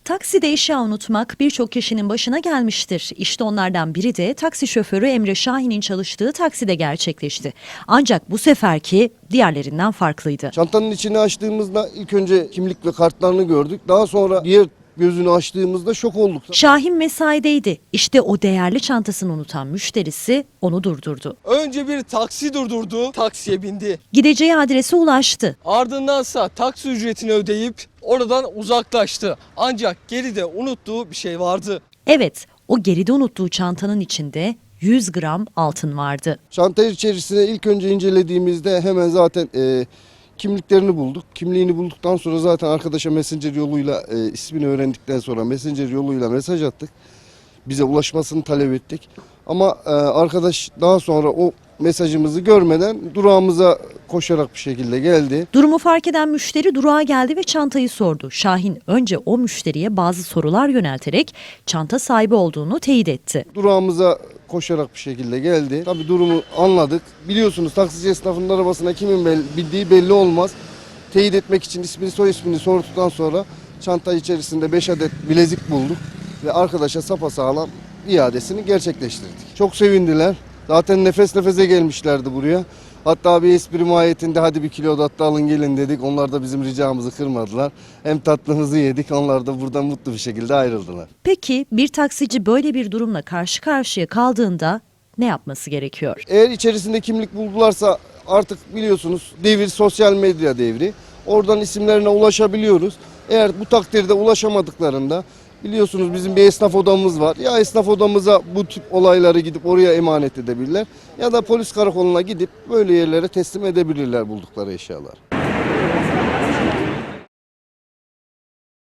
Takside eşya unutmak birçok kişinin başına gelmiştir. İşte onlardan biri de taksi şoförü Emre Şahin'in çalıştığı takside gerçekleşti. Ancak bu seferki diğerlerinden farklıydı. Çantanın içini açtığımızda ilk önce kimlik ve kartlarını gördük. Daha sonra diğer gözünü açtığımızda şok olduk. Şahin mesaideydi. İşte o değerli çantasını unutan müşterisi onu durdurdu. Önce bir taksi durdurdu, taksiye bindi. Gideceği adrese ulaştı. Ardındansa taksi ücretini ödeyip oradan uzaklaştı. Ancak geride unuttuğu bir şey vardı. Evet, o geride unuttuğu çantanın içinde 100 gram altın vardı. Çanta içerisine ilk önce incelediğimizde hemen zaten kimliklerini bulduk. Kimliğini bulduktan sonra zaten arkadaşa Messenger yoluyla ismini öğrendikten sonra Messenger yoluyla mesaj attık. Bize ulaşmasını talep ettik. Ama arkadaş daha sonra o mesajımızı görmeden durağımıza koşarak bir şekilde geldi. Durumu fark eden müşteri durağa geldi ve çantayı sordu. Şahin önce o müşteriye bazı sorular yönelterek çanta sahibi olduğunu teyit etti. Durağımıza koşarak bir şekilde geldi. Tabii durumu anladık. Biliyorsunuz taksici esnafının arabasına kimin bildiği belli olmaz. Teyit etmek için ismini soy ismini sorduktan sonra çanta içerisinde 5 adet bilezik bulduk. Ve arkadaşa sapasağlam iadesini gerçekleştirdik. Çok sevindiler. Zaten nefes nefese gelmişlerdi buraya. Hatta bir espri mahiyetinde hadi bir kilo tatlı alın gelin dedik. Onlar da bizim ricamızı kırmadılar. Hem tatlımızı yedik, onlar da buradan mutlu bir şekilde ayrıldılar. Peki bir taksici böyle bir durumla karşı karşıya kaldığında ne yapması gerekiyor? Eğer içerisinde kimlik buldularsa artık biliyorsunuz devir sosyal medya devri. Oradan isimlerine ulaşabiliyoruz. Eğer bu takdirde ulaşamadıklarında biliyorsunuz bizim bir esnaf odamız var. Ya esnaf odamıza bu tip olayları gidip oraya emanet edebilirler ya da polis karakoluna gidip böyle yerlere teslim edebilirler buldukları eşyalar.